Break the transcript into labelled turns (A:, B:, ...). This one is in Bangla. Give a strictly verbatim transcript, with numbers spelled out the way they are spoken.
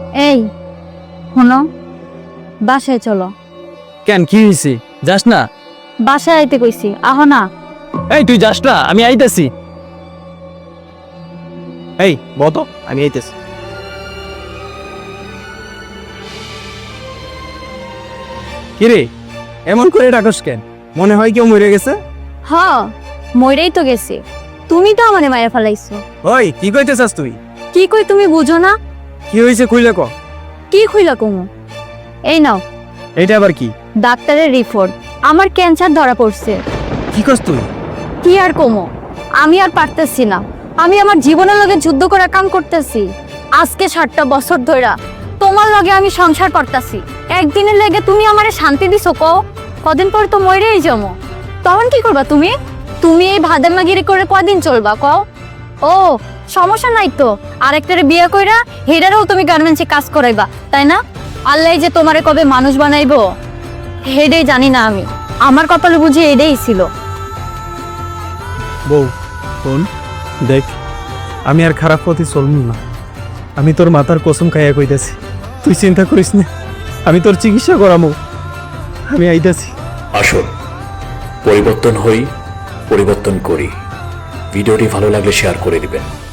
A: এই শোনো, বাসায় চলো।
B: কেন কি হয়েছে? যাস না?
A: বাসায় আইতে কইছি, আহ না।
B: এই তুই যাস না, আমি আইতাছি। এই বত, আমি আইতাছি। কিরে এমন করে ডাকস কেন? মনে হয় কেউ মরে গেছে?
A: হ, মইরাই তো গেছি। তুমি তো আমারে মায়ের ফেলাইছো।
B: ওই কি কইতেছাস তুই?
A: কি কই তুমি বুঝো না?
B: কি হয়েছে কইলে ক।
A: কি খুইলা কমু? এই নাও
B: এইটা আবার কি?
A: ডাক্তারের রিপোর্ট। আমার ক্যান্সার ধরা পড়ছে।
B: কি কস তুই?
A: কি আর কমো, আমি আর পারতেছি না। আমি আমার জীবনের লগে যুদ্ধ করে কাম করতেছি। আজকে ষাটটা বছর ধইরা তোমার লগে আমি সংসার করতেছি। একদিনের লেগে তুমি আমারে শান্তি দিছো কও? কদিন পর তো মরেই যাবো। তখন কি করবা তুমি? তুমি এই ভাদামাগিরি করে কদিন চলবা কও? ও সমস্যা নাই তো, আরেকটারে বিয়ে কইরা হেডারেও তুমি গার্মেন্টসে কাজ করাইবা, তাই না? আল্লাহ যে তোমারে কবে মানুষ বানাইবো হেডেই জানি না আমি। আমার কপালে বুঝি এটাই ছিল।
B: বউ শোন, দেখ আমি আর খারাপ পথে চলমু না। আমি তোর মাথার কসম খাইয়া কইতাছি, তুই চিন্তা করিস না, আমি তোর চিকিৎসা করামু। আমি আইতাছি।
C: আসুন পরিবর্তন হই, পরিবর্তন করি। ভিডিওটি ভালো লাগলে শেয়ার করে দিবেন।